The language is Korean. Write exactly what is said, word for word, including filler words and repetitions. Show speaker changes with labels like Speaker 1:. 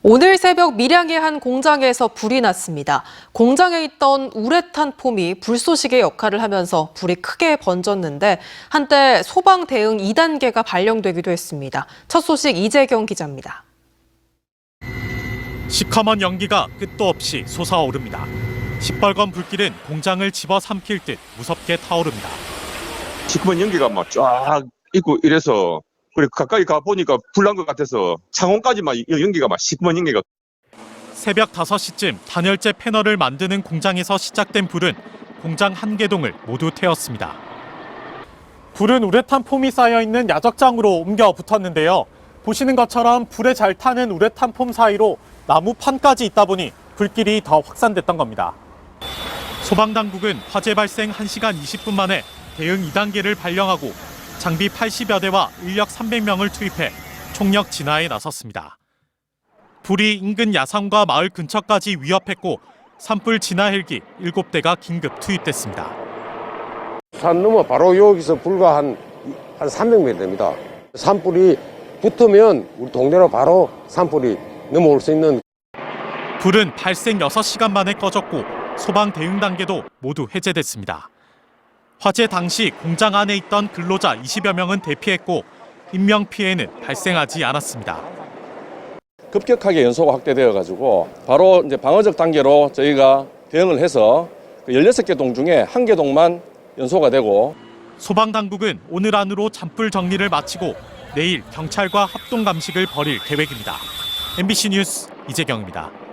Speaker 1: 오늘 새벽 밀양의 한 공장에서 불이 났습니다. 공장에 있던 우레탄 폼이 불쏘시개 역할을 하면서 불이 크게 번졌는데 한때 소방 대응 이 단계가 발령되기도 했습니다. 첫 소식 이재경 기자입니다.
Speaker 2: 시커먼 연기가 끝도 없이 솟아오릅니다. 시뻘건 불길은 공장을 집어삼킬 듯 무섭게 타오릅니다.
Speaker 3: 시커먼 연기가 막 쫙 있고 이래서 그래 가까이 가 보니까 불난 것 같아서 창원까지만 연기가 막 시커먼 연기가.
Speaker 2: 새벽 다섯 시쯤 단열재 패널을 만드는 공장에서 시작된 불은 공장 한 개동을 모두 태웠습니다. 불은 우레탄 폼이 쌓여 있는 야적장으로 옮겨 붙었는데요. 보시는 것처럼 불에 잘 타는 우레탄 폼 사이로 나무 판까지 있다 보니 불길이 더 확산됐던 겁니다. 소방당국은 화재 발생 한 시간 이십 분 만에 대응 이 단계를 발령하고 장비 팔십여 대와 인력 삼백 명을 투입해 총력 진화에 나섰습니다. 불이 인근 야산과 마을 근처까지 위협했고 산불 진화 헬기 일곱 대가 긴급 투입됐습니다.
Speaker 4: 산 넘어 바로 여기서 불과 한, 한 삼백 미터 됩니다. 산불이 붙으면 우리 동네로 바로 산불이 넘어올 수 있는.
Speaker 2: 불은 발생 여섯 시간 만에 꺼졌고 소방 대응 단계도 모두 해제됐습니다. 화재 당시 공장 안에 있던 근로자 이십여 명은 대피했고 인명피해는 발생하지 않았습니다.
Speaker 5: 급격하게 연소가 확대되어 가지고 바로 이제 방어적 단계로 저희가 대응을 해서 열여섯 개 동 중에 한 개 동만 연소가 되고.
Speaker 2: 소방당국은 오늘 안으로 잔불 정리를 마치고 내일 경찰과 합동 감식을 벌일 계획입니다. 엠비씨 뉴스 이재경입니다.